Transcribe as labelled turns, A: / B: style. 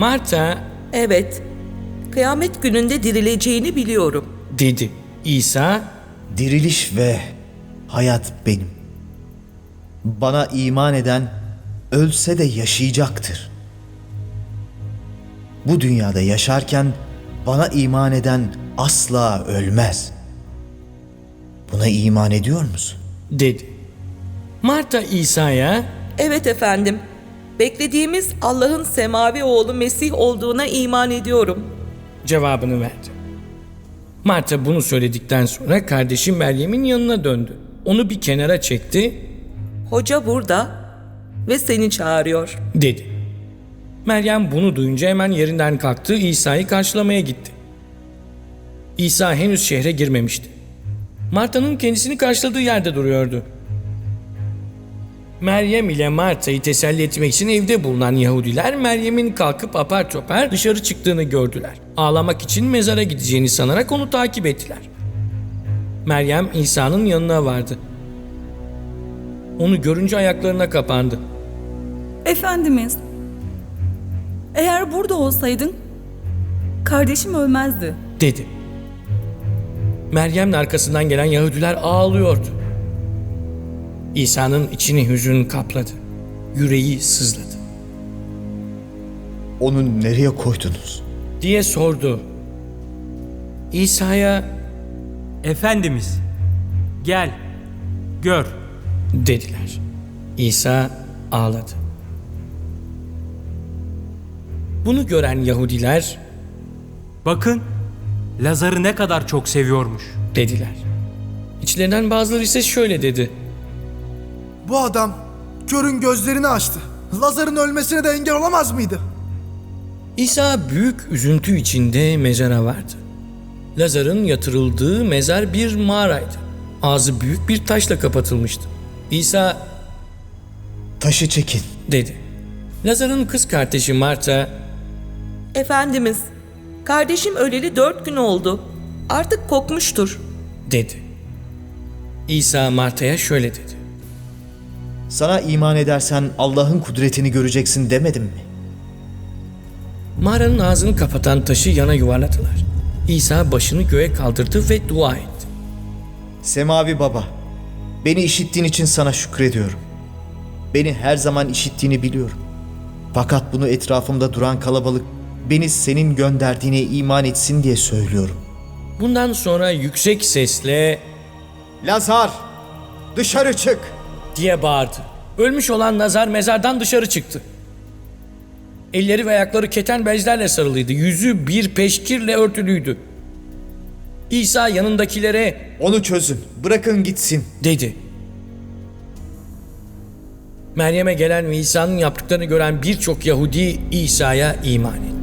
A: Marta,
B: Evet, kıyamet gününde dirileceğini biliyorum.
A: dedi. İsa,
C: Diriliş ve hayat benim. Bana iman eden ölse de yaşayacaktır. Bu dünyada yaşarken bana iman eden asla ölmez. Buna iman ediyor musun?
A: dedi. Marta İsa'ya,
B: Evet efendim, beklediğimiz Allah'ın semavi oğlu Mesih olduğuna iman ediyorum.
A: cevabını verdi. Marta bunu söyledikten sonra kardeşi Meryem'in yanına döndü. Onu bir kenara çekti,
B: Hoca burada ve seni çağırıyor.
A: dedi. Meryem bunu duyunca hemen yerinden kalktı, İsa'yı karşılamaya gitti. İsa henüz şehre girmemişti. Marta'nın kendisini karşıladığı yerde duruyordu. Meryem ile Marta'yı teselli etmek için evde bulunan Yahudiler Meryem'in kalkıp apar topar dışarı çıktığını gördüler. Ağlamak için mezara gideceğini sanarak onu takip ettiler. Meryem İsa'nın yanına vardı. Onu görünce ayaklarına kapandı.
D: Efendimiz, eğer burada olsaydın kardeşim ölmezdi.
A: Dedi. Meryem'in arkasından gelen Yahudiler ağlıyordu. İsa'nın içini hüzün kapladı. Yüreği sızladı.
C: Onu nereye koydunuz?
A: Diye sordu. İsa'ya
E: Efendimiz, gel, gör.
A: dediler. İsa ağladı. Bunu gören Yahudiler
E: Bakın, Lazar'ı ne kadar çok seviyormuş.
A: dediler. İçlerinden bazıları ise şöyle dedi.
F: Bu adam körün gözlerini açtı. Lazar'ın ölmesine de engel olamaz mıydı?
A: İsa büyük üzüntü içinde mezara vardı. Lazar'ın yatırıldığı mezar bir mağaraydı. Ağzı büyük bir taşla kapatılmıştı. İsa
C: Taşı çekin.
A: dedi. Lazar'ın kız kardeşi Marta,
B: Efendimiz, kardeşim öleli 4 gün oldu. Artık kokmuştur.
A: dedi. İsa Marta'ya şöyle dedi.
C: Sana iman edersen Allah'ın kudretini göreceksin demedim mi?
A: Mağaranın ağzını kapatan taşı yana yuvarladılar. İsa başını göğe kaldırdı ve dua etti.
C: Semavi Baba, beni işittiğin için sana şükrediyorum. Beni her zaman işittiğini biliyorum. Fakat bunu etrafımda duran kalabalık beni senin gönderdiğine iman etsin diye söylüyorum.
A: Bundan sonra yüksek sesle
C: Lazar, dışarı çık!
A: diye bağırdı. Ölmüş olan Lazar mezardan dışarı çıktı. Elleri ve ayakları keten bezlerle sarılıydı. Yüzü bir peşkirle örtülüydü. İsa yanındakilere
C: Onu çözün, bırakın gitsin.
A: dedi. Meryem'e gelen ve İsa'nın yaptıklarını gören birçok Yahudi İsa'ya iman etti.